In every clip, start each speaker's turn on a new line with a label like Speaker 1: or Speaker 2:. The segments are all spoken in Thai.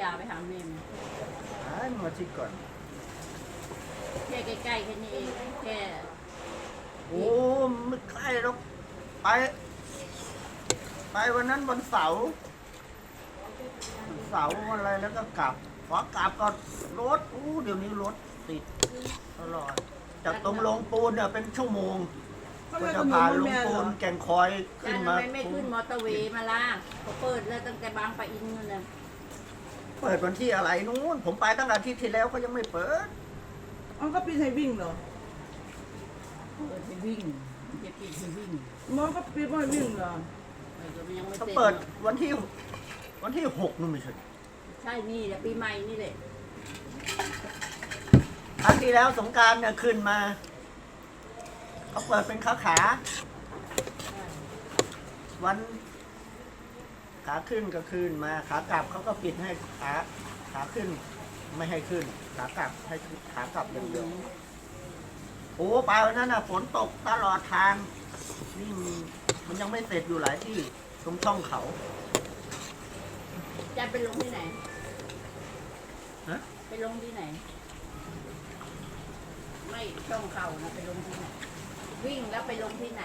Speaker 1: าไปหาแม่ไหม
Speaker 2: หายมาที่ก่อน
Speaker 1: แค่ใกล้ๆแค่นี้เองแค่
Speaker 2: โอ้ไม่ใกล้หรอกไป ไปวันนั้นวันเสาร์วันอะไรแล้วก็กลับขอกลับก็รถเดี๋ยวนี้รถติดตลอดจากตรงลงปูนเนี่ยเป็นชั่วโมงก็จะผ่านลงปูนแก่งคอยขึ้
Speaker 1: แล้ว
Speaker 2: น
Speaker 1: ทำ
Speaker 2: มา
Speaker 1: ไมไม่ขึ้นมอเตอร์เวย์มาล่ะเขาเปิดแล้วตั้งแต่บางปะอินนู่นน่ะ
Speaker 2: เปิดวันที่อะไรนู้นผมไปตั้งแต่อาทิตย์ที่แล้วก็ยังไม่เปิด
Speaker 3: อ๋อก็ปีให้วิ่งเหรอ
Speaker 1: เปิดไปวิ่งมันจะปิดไปวิ่ง
Speaker 3: มอก็ปีให้วิ่งเหรอ
Speaker 1: เออมันยังไม่
Speaker 2: เขา
Speaker 1: เสร็จ
Speaker 2: เปิดวันที่6นู่นไม่ใช่
Speaker 1: ใช่นี่แหละปีใหม่นี่แหละ
Speaker 2: ครั้งที่แล้วสงกรารเนี่ยขึ้นมาเขาเปิดเป็นขาวันขาขึ้นก็ขึ้นมาขากลับเขาก็ปิดให้ขาขึ้นไม่ให้ขึ้นขากลับให้ขากลับอย่างเดียวโอ้ไปวันนั้นน่ะฝนตกตลอดทางนี่มันยังไม่เสร็จอยู่หลายที่ตรงช่องเขา
Speaker 1: จะไปลงที่ไหน
Speaker 2: ฮะ
Speaker 1: ไปลงที่ไหน ไม่ช่องเข่านะไปลงที่ไหน วิ่งแล้วไปลงที่ไหน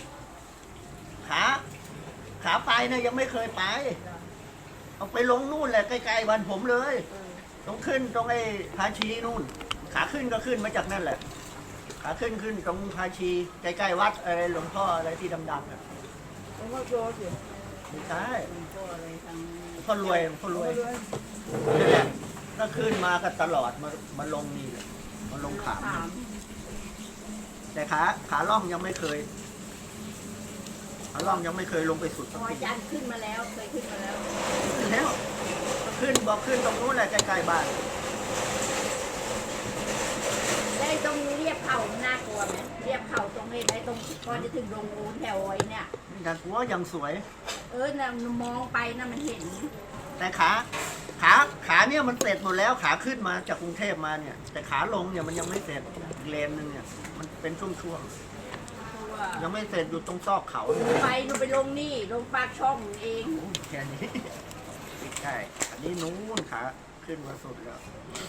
Speaker 2: ขาไปเนี่ยยังไม่เคยไปเอาไปลงนู่นแหละใกล้ๆบ้านผมเลย
Speaker 1: เออ
Speaker 2: ต้องขึ้นตรงไอ้พาชีนู่น ขาขึ้นก็ขึ้นมาจากนั่นแหละ ขาขึ้นตรงพาชีใกล้ๆวัดอะไรหลวงพ่ออะไรที่ดำๆอ่ะ
Speaker 3: ผมก็โจสิ
Speaker 2: ไม่ใช่
Speaker 1: หลวงพ่ออะไรทาง
Speaker 2: พ่อรวยนี่แหละก็ขึ้นมาก็ตลอดมาลงนี่แหละมาลงขาม
Speaker 1: ถาม
Speaker 2: แต่ขาล่องยังไม่เคยขาล่องยังไม่เคยลงไปสุด
Speaker 1: พ
Speaker 2: สัก
Speaker 1: อ
Speaker 2: ที
Speaker 1: อาจารย์ขึ้นมาแล้วเคยขึ้นมาแล้ว
Speaker 2: ขึ้นแล้วขึ้นบอกขึ้นตรงนู้นแหละใกล้ๆบ้าน
Speaker 1: ได้ตรงเรียบเข่าน่ากลัวไหมเรียบเข่าตรงนี้ไอ้ตรงก่อนจะถึงโรงโอนแถวไอ้เนี่ย
Speaker 2: นี่กันหัวยังสวย
Speaker 1: น่ะมองไปน่ะมันเห็น
Speaker 2: แต่ขาเนี่ยมันเสร็จหมดแล้วขาขึ้นมาจากกรุงเทพมาเนี่ย แต่ขาลงเนี่ยมันยังไม่เสร็จอีกเลนนึงเนี่ยมันเป็นช่วง
Speaker 1: เพราะว่า
Speaker 2: ๆยังไม่เสร็จอยู่ตรงซอกเขาเนี่ย
Speaker 1: ไปหนูไปลงนี่ลงปากช่องเอง
Speaker 2: โอ้แค่นี้ใช่อันนี้นู้นขาขึ้นมาสุดแล้ว